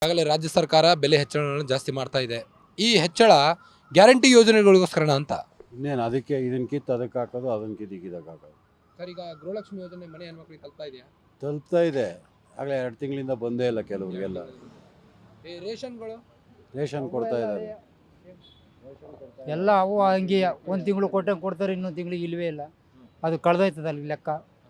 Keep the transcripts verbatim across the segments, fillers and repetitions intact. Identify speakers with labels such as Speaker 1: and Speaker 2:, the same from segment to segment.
Speaker 1: ಈಗಾಗಲೇ ರಾಜ್ಯ ಸರ್ಕಾರ ಬೆಲೆ ಹೆಚ್ಚಳಗಳನ್ನು ಜಾಸ್ತಿ ಮಾಡ್ತಾ ಇದೆ. ಈ ಹೆಚ್ಚಳ ಗ್ಯಾರಂಟಿ ಯೋಜನೆಗಳಿಗೋಸ್ಕರನ ಅಂತ
Speaker 2: ಇನ್ನೇನು ಅದಕ್ಕೆ ಇದನ್ನ ಕಿತ್ತು ಅದಕ್ಕೆ ಹಾಕೋದು, ಅದನ್ನ ಕಿತ್ತು ಇದಕ್ಕೆ ಹಾಕೋದು.
Speaker 1: ಸರ್, ಈಗ ಗೃಹಲಕ್ಷ್ಮಿ ಯೋಜನೆ ಮನೆ ಹೆಣ್ಮಕ್ಳಿಗೆ ತಲುಪ್ತಾ ಇದೆಯಾ?
Speaker 2: ತಲುಪ್ತಾ ಇದೆ. ಆಗಲೇ ಎರಡು ತಿಂಗಳಿಂದ ಬಂದೇ ಇಲ್ಲ ಕೆಲವರಿಗೆಲ್ಲ.
Speaker 1: ಈ ರೇಷನ್ಗಳು
Speaker 2: ರೇಷನ್ ಕೊಡ್ತಾ ಇದ್ದಾರೆ.
Speaker 3: ಎಲ್ಲ ಅವು ಹಂಗೆ ಒಂದು ತಿಂಗಳು ಕೊಟ್ಟಂಗೆ ಕೊಡ್ತಾರೆ, ಇನ್ನೊಂದು ತಿಂಗಳಿಗೆ ಇಲ್ಲವೇ ಇಲ್ಲ. ಅದು ಕಳೆದೋಯ್ತದೆ ಅಲ್ಲಿ ಲೆಕ್ಕ.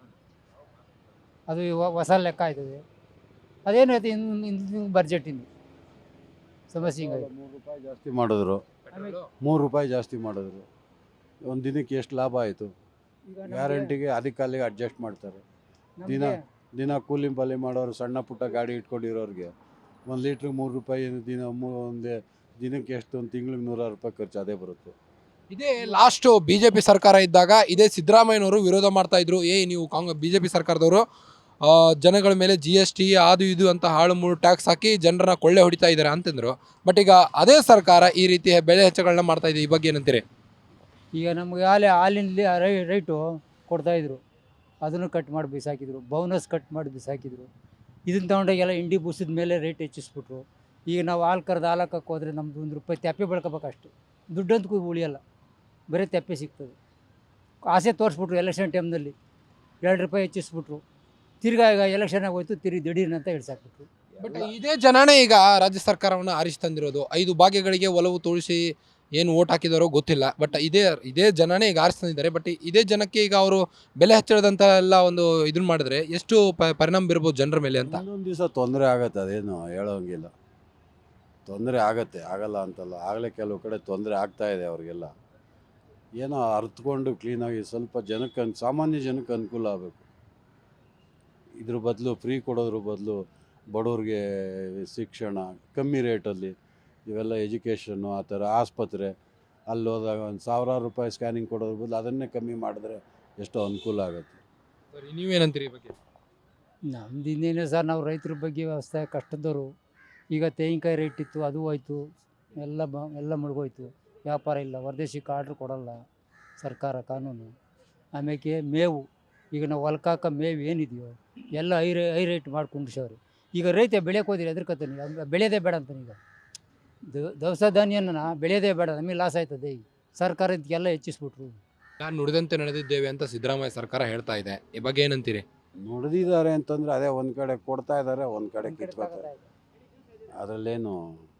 Speaker 3: ಅದು ಇವ- ಹೊಸ ಲೆಕ್ಕ ಆಯ್ತದೆ. ಅದೇನು ಆಯ್ತು ಇನ್ನು ಇನ್ನು ಬಡ್ಜೆಟಿಂದು ಸಮಸ್ಯೆ ಹಿಂಗಾಗಿ
Speaker 2: ಮೂರು ರೂಪಾಯಿ ಜಾಸ್ತಿ ಮಾಡಿದ್ರು.
Speaker 1: ಪೆಟ್ರೋಲು?
Speaker 2: ಮೂರು ರೂಪಾಯಿ ಜಾಸ್ತಿ ಮಾಡಿದ್ರು. ಒಂದು ದಿನಕ್ಕೆ ಎಷ್ಟು ಲಾಭ ಆಯಿತು? ಗ್ಯಾರಂಟಿಗೆ ಅದಕ್ಕೆ ಅಲ್ಲಿಗೆ ಅಡ್ಜಸ್ಟ್ ಮಾಡ್ತಾರೆ. ದಿನ ದಿನ ಕೂಲಿ ಪಾಲಿ ಮಾಡೋರು, ಸಣ್ಣ ಪುಟ್ಟ ಗಾಡಿ ಇಟ್ಕೊಂಡಿರೋರಿಗೆ ಒಂದು ಲೀಟ್ರಿಗೆ ಮೂರು ರೂಪಾಯಿ ದಿನ ಮೂ- ಒಂದು ದಿನಕ್ಕೆ ಎಷ್ಟು, ಒಂದು ತಿಂಗಳಿಗೆ ನೂರಾರು ರೂಪಾಯಿ ಖರ್ಚು ಅದೇ ಬರುತ್ತೆ.
Speaker 1: ಇದೇ ಲಾಸ್ಟ್ ಬಿಜೆಪಿ ಸರ್ಕಾರ ಇದ್ದಾಗ ಇದೇ ಸಿದ್ದರಾಮಯ್ಯನವರು ವಿರೋಧ ಮಾಡ್ತಾ ಇದ್ರು. ಏ ನೀವು ಕಾಂಗ್ರೆಸ್ ಬಿಜೆಪಿ ಸರ್ಕಾರದವರು ಆ, ಜನಗಳ ಮೇಲೆ ಜಿ ಎಸ್ ಟಿ ಅದು ಇದು ಅಂತ ಹಾಳು ಮೂಳು ಟ್ಯಾಕ್ಸ್ ಹಾಕಿ ಜನರನ್ನ ಕೊಳ್ಳೆ ಹೊಡಿತಾ ಇದ್ದಾರೆ ಅಂತಂದ್ರು. ಬಟ್ ಈಗ ಅದೇ ಸರ್ಕಾರ ಈ ರೀತಿ ಬೆಲೆ ಹೆಚ್ಚಳಗಳನ್ನ ಮಾಡ್ತಾ ಇದೆ. ಈ ಬಗ್ಗೆ ಏನಂತೀರಿ?
Speaker 3: ಈಗ ನಮಗೆ ಹಾಲೆ ಹಾಲಿನಲ್ಲಿ ರೈ ರೈಟು ಕೊಡ್ತಾಯಿದ್ರು, ಅದನ್ನು ಕಟ್ ಮಾಡಿ ಬಿಸಾಕಿದ್ರು. ಬೋನಸ್ ಕಟ್ ಮಾಡಿ ಬಿಸಾಕಿದ್ರು. ಇದನ್ನು ತೊಗೊಂಡೋಗೆಲ್ಲ ಇಂಡಿ ಬೂಸಿದ ಮೇಲೆ ರೇಟ್ ಹೆಚ್ಚಿಸ್ಬಿಟ್ರು. ಈಗ ನಾವು ಹಾಲು ಕರೆದು ಹಾಲು ಹಾಕಕ್ಕೆ ಹೋದರೆ ನಮ್ಮದು ಒಂದು ರೂಪಾಯಿ ತೆಪ್ಪೆ ಬೆಳ್ಕೋಬೇಕಷ್ಟು, ದುಡ್ಡಂತೂ ಉಳಿಯಲ್ಲ, ಬರೀ ತೆಪ್ಪೆ ಸಿಗ್ತದೆ. ಆಸೆ ತೋರಿಸ್ಬಿಟ್ರು ಎಲೆಕ್ಷನ್ ಟೈಮ್ನಲ್ಲಿ, ಎರಡು ರೂಪಾಯಿ ಹೆಚ್ಚಿಸ್ಬಿಟ್ರು. ತಿರ್ಗಾ ಈಗ ಎಲೆಕ್ಷನ್ ಆಗೋಯ್ತು, ತಿರುಗಿ ದಿಢೀರ್ನ ಅಂತ ಹಿಡ್ಸಾಕ್ಬಿಟ್ರು.
Speaker 1: ಬಟ್ ಇದೇ ಜನನೇ ಈಗ ರಾಜ್ಯ ಸರ್ಕಾರವನ್ನು ಆರಿಸಿ ತಂದಿರೋದು. ಐದು ಭಾಗ್ಯಗಳಿಗೆ ಒಲವು ತೋರಿಸಿ ಏನು ಓಟ್ ಹಾಕಿದಾರೋ ಗೊತ್ತಿಲ್ಲ. ಬಟ್ ಇದೇ ಇದೇ ಜನನೇ ಈಗ ಆರಿಸಿ ತಂದಿದ್ದಾರೆ. ಬಟ್ ಇದೇ ಜನಕ್ಕೆ ಈಗ ಅವರು ಬೆಲೆ ಹೆಚ್ಚಳದಂತ ಎಲ್ಲ ಒಂದು ಇದನ್ನ ಮಾಡಿದ್ರೆ ಎಷ್ಟು ಪ- ಪರಿಣಾಮ ಬೀರ್ಬೋದು ಜನರ ಮೇಲೆ ಅಂತ.
Speaker 2: ಒಂದೊಂದು ದಿವಸ ತೊಂದರೆ ಆಗತ್ತೆ, ಅದೇನು ಹೇಳೋಂಗಿಲ್ಲ. ತೊಂದರೆ ಆಗತ್ತೆ, ಆಗಲ್ಲ ಅಂತಲ್ಲ. ಆಗಲೇ ಕೆಲವು ಕಡೆ ತೊಂದರೆ ಆಗ್ತಾ ಇದೆ ಅವ್ರಿಗೆಲ್ಲ. ಏನೋ ಅರ್ಥಕೊಂಡು ಕ್ಲೀನಾಗಿ ಸ್ವಲ್ಪ ಜನಕ್ಕೆ ಅನ್- ಸಾಮಾನ್ಯ ಜನಕ್ಕೆ ಅನುಕೂಲ ಆಗಬೇಕು. ಇದ್ರ ಬದಲು ಫ್ರೀ ಕೊಡೋದ್ರ ಬದಲು ಬಡವ್ರಿಗೆ ಶಿಕ್ಷಣ ಕಮ್ಮಿ ರೇಟಲ್ಲಿ, ಇವೆಲ್ಲ ಎಜುಕೇಷನ್ನು ಆ ಥರ, ಆಸ್ಪತ್ರೆ ಅಲ್ಲಿ ಹೋದಾಗ ಒಂದು ಸಾವಿರಾರು ರೂಪಾಯಿ ಸ್ಕ್ಯಾನಿಂಗ್ ಕೊಡೋದ್ರ ಬದಲು ಅದನ್ನೇ ಕಮ್ಮಿ ಮಾಡಿದ್ರೆ ಎಷ್ಟೋ ಅನುಕೂಲ ಆಗುತ್ತೆ.
Speaker 1: ಸರಿ, ನೀವೇನಂತೀರಿ ಈ ಬಗ್ಗೆ?
Speaker 3: ನಮ್ದು ಇನ್ನೇನು ಸರ್, ನಾವು ರೈತರ ಬಗ್ಗೆ ವ್ಯವಸ್ಥೆ ಕಷ್ಟದವರು. ಈಗ ತೆಂಗಿನಕಾಯಿ ರೇಟ್ ಇತ್ತು, ಅದು ಹೋಯ್ತು, ಎಲ್ಲ ಬ ಎಲ್ಲ ಮುಳುಗೋಯ್ತು. ವ್ಯಾಪಾರ ಇಲ್ಲ, ಹೊರದೇಶಕ್ಕೆ ಆರ್ಡ್ರ್ ಕೊಡೋಲ್ಲ ಸರ್ಕಾರ ಕಾನೂನು. ಆಮೇಲೆ ಮೇವು, ಈಗ ನಾವು ಹೊಲ್ಕಾಕ ಮೇವು ಏನಿದೆಯೋ ಎಲ್ಲ ಐ ರೇ ಐ ರೇಟ್ ಮಾಡಿ ಕುಂಡ್ಸವ್ರು. ಈಗ ರೈತ ಬೆಳೆಯೋಕೆ ಹೋದಿರಿ ಎದ್ರಕತ್ತಾನೆ, ಈಗ ಬೆಳೆಯೋದೇ ಬೇಡ ಅಂತಾನೆ. ಈಗ ದ- ದವಸ ಧಾನ್ಯನ ಬೆಳೆಯೋದೇ ಬೇಡ, ನಮಗೆ ಲಾಸ್ ಆಯ್ತದೆ. ಈಗ ಸರ್ಕಾರ ಇದಕ್ಕೆಲ್ಲ ಹೆಚ್ಚಿಸ್ಬಿಟ್ರು.
Speaker 1: ನಾನು ನುಡಿದಂತೆ ನಡೆದಿದ್ದೇವೆ ಅಂತ ಸಿದ್ದರಾಮಯ್ಯ ಸರ್ಕಾರ ಹೇಳ್ತಾ ಇದೆ. ಈ ಬಗ್ಗೆ ಏನಂತೀರಿ?
Speaker 2: ನುಡಿದಿದ್ದಾರೆ ಅಂತಂದರೆ ಅದೇ ಒಂದು ಕಡೆ ಕೊಡ್ತಾ ಇದ್ದಾರೆ, ಒಂದು ಕಡೆ ಕಿತ್ಕೋತಾರೆ. ಅದರಲ್ಲೇನು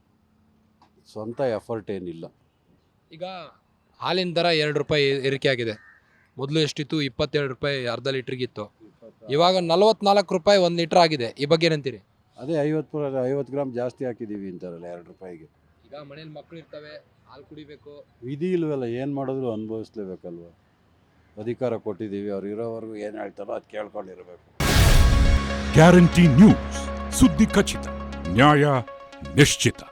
Speaker 2: ಸ್ವಂತ ಎಫರ್ಟ್ ಏನಿಲ್ಲ.
Speaker 1: ಈಗ ಹಾಲಿನ ದರ ಎರಡು ರೂಪಾಯಿ ಏರಿಕೆ ಆಗಿದೆ. ಮೊದಲು ಎಷ್ಟಿತ್ತು? ಇಪ್ಪತ್ತೆರಡು ರೂಪಾಯಿ ಅರ್ಧ ಲೀಟ್ರಿಗಿತ್ತು. ಇವಾಗ ನಲವತ್ನಾಲ್ಕು ರೂಪಾಯಿ ಒಂದು ಲೀಟ್ರ್ ಆಗಿದೆ. ಈ ಬಗ್ಗೆ ಏನಂತೀರಿ?
Speaker 2: ಅದೇ ಐವತ್ತು ಐವತ್ತು ಗ್ರಾಮ್ ಜಾಸ್ತಿ ಹಾಕಿದ್ದೀವಿ ಅಂತಾರಲ್ಲ ಎರಡು ರೂಪಾಯಿಗೆ.
Speaker 1: ಈಗ ಮನೇಲಿ ಮಕ್ಕಳು ಇರ್ತವೆ, ಹಾಲು ಕುಡಿಬೇಕು.
Speaker 2: ವಿಧಿ ಇಲ್ವಲ್ಲ, ಏನು ಮಾಡಿದ್ರು ಅನುಭವಿಸ್ಲೇಬೇಕಲ್ವ. ಅಧಿಕಾರ ಕೊಟ್ಟಿದ್ದೀವಿ, ಅವ್ರು ಇರೋವರೆಗೂ ಏನು ಹೇಳ್ತಾರೋ ಅದು ಕೇಳ್ಕೊಂಡಿರ್ಬೇಕು.
Speaker 4: ಗ್ಯಾರಂಟಿ ನ್ಯೂಸ್, ಸುದ್ದಿ ಖಚಿತ, ನ್ಯಾಯ ನಿಶ್ಚಿತ.